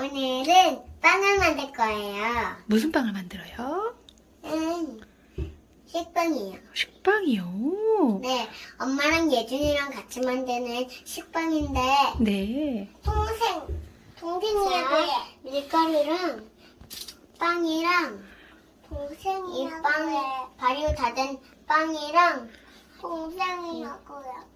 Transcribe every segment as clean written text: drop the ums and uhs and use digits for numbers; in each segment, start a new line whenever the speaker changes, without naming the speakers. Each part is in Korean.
오늘은 빵을 만들 거예요.
무슨 빵을 만들어요?
식빵이요.
식빵이요?
네, 엄마랑 예준이랑 같이 만드는 식빵인데
네.
동생이랑 밀가루랑 빵이랑 이 빵, 발효 다 된 빵이랑 동생이라고요.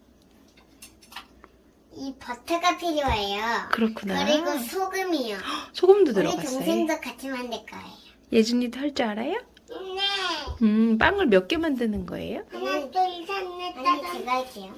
이 버터가 필요해요.
그렇구나.
그리고 소금이요.
소금도
우리
들어갔어요.
동생도 같이 만들 거예요.
예준이도 할 줄 알아요?
네.
빵을 몇 개 만드는 거예요?
하나, 둘, 셋, 넷, 다섯. 제가 할게요.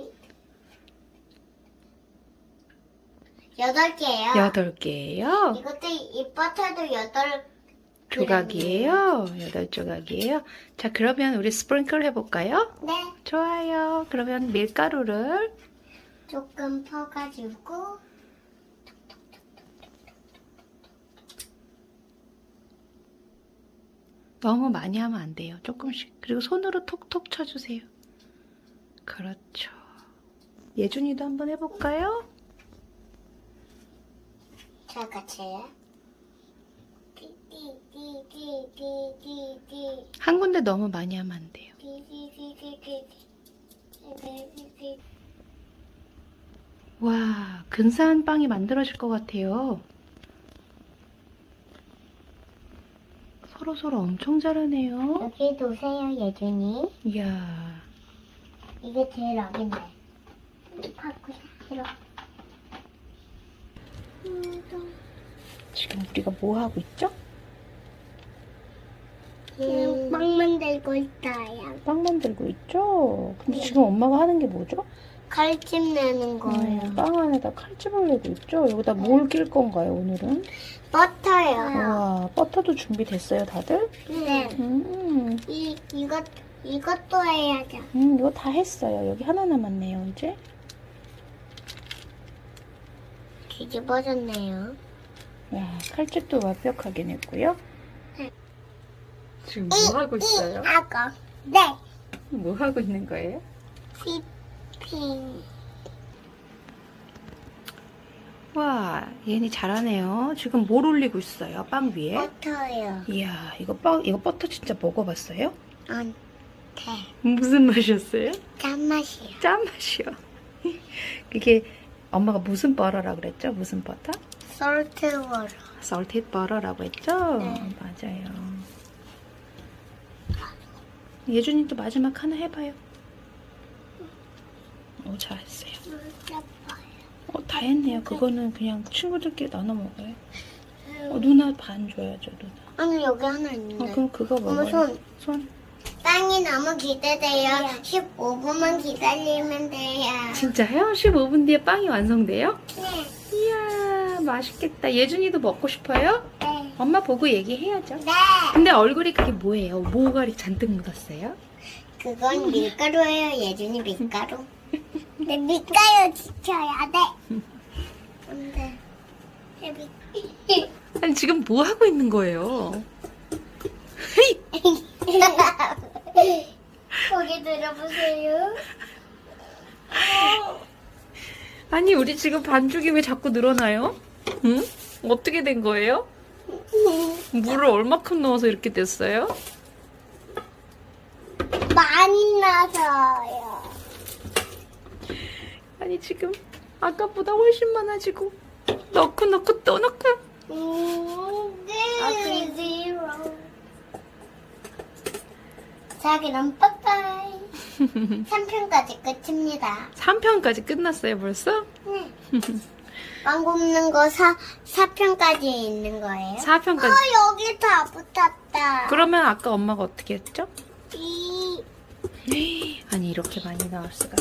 8개예요.
8개예요?
이것도 이 버터도 8
조각이에요? 8조각이에요? 자, 그러면 우리 스프링클 해볼까요?
네.
좋아요. 그러면 밀가루를
조금 퍼가지고
너무 많이 하면 안 돼요. 조금씩. 그리고 손으로 톡톡 쳐주세요. 그렇죠. 예준이도 한번 해볼까요?
자, 같이 해요. 띠띠띠띠띠띠띠
한 군데 너무 많이 하면 안 돼요. 와, 근사한 빵이 만들어질 것 같아요. 서로 엄청 잘하네요.
여기 놓으세요, 예준이.
이야,
이게 제일 어린데. 갖고 싶어.
지금 우리가 뭐 하고 있죠?
빵 만들고 있어요.
빵 만들고 있죠? 근데 지금 엄마가 하는 게 뭐죠?
칼집 내는 거예요.
빵 안에다 칼집을 내고 있죠? 여기다 뭘 낄 건가요, 오늘은?
버터요.
와, 버터도 준비됐어요, 다들?
네. 이것도 해야죠.
이거 다 했어요. 여기 하나 남았네요, 이제.
뒤집어졌네요.
와, 칼집도 완벽하게 냈고요.
네.
지금 뭐 하고 있어요?
하고. 네.
뭐 하고 있는 거예요?
휘핑.
와, 얘네 잘하네요. 지금 뭘 올리고 있어요? 빵 위에?
버터요.
이야, 이거 버터 진짜 먹어봤어요?
안 돼.
무슨 맛이었어요?
짠맛이요.
짠맛이요. 이게 엄마가 무슨 버터라고 그랬죠? 무슨 버터?
솔트 워터.
salted butter라고 했죠?
네.
맞아요. 예준이도 마지막 하나 해봐요. 잘했어요. 다 했네요. 그거는 그냥 친구들끼리 나눠 먹어요. 누나 반 줘야죠, 누나.
아니, 여기 하나 있는데.
그럼 그거
엄마
먹어요.
손. 빵이 너무 기대돼요. 15분만 기다리면 돼요.
진짜요? 15분 뒤에 빵이 완성돼요?
네.
이야, 맛있겠다. 예준이도 먹고 싶어요?
네.
엄마 보고 얘기해야죠.
네.
근데 얼굴이 그게 뭐예요? 뭐가 이렇게 잔뜩 묻었어요?
그건 밀가루예요. 예준이 밀가루. 내 밀가루 지켜야 돼. 근데
아니, 지금 뭐 하고 있는 거예요?
고개 들어보세요.
아니, 우리 지금 반죽이 왜 자꾸 늘어나요? 응? 어떻게 된 거예요? 물을 얼마큼 넣어서 이렇게 됐어요?
많이 나서요.
아니, 지금 아까보다 훨씬 많아지고 넣고 또 넣고.
네. 자, 그럼 빠빠이. 3편까지 끝입니다.
3편까지 끝났어요, 벌써?
네. 빵 굽는 거 4편까지 있는 거예요?
4편까지.
여기 다 붙었다.
그러면 아까 엄마가 어떻게 했죠?
이
아니, 이렇게 많이 나올 수가.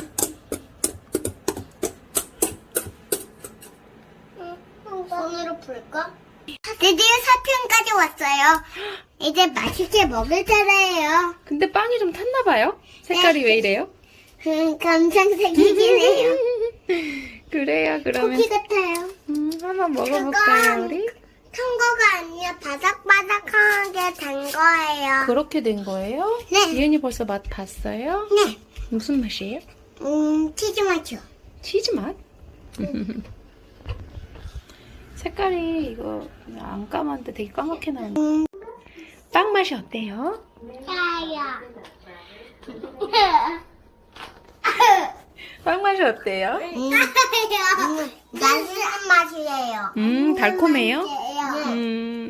손으로 풀까? 드디어 4편까지 왔어요. 이제 맛있게 먹을 차례예요.
근데 빵이 좀 탔나 봐요? 색깔이 왜 이래요?
감상색이긴 해요.
그래요, 그러면
쿠키 같아요.
한번 먹어볼까요, 우리?
탄 거가 아니라 바삭바삭하게 된 거예요.
그렇게 된 거예요?
네.
이은이 벌써 맛 봤어요?
네.
무슨 맛이에요?
치즈 맛이요.
치즈 맛? 색깔 색깔이 이거 안 까만데 되게 까맣게 나오네. 빵 맛이 어때요?
짜요.
빵 맛이 어때요?
짜요. 맛있는 맛이에요.
달콤해요?
맛이에요.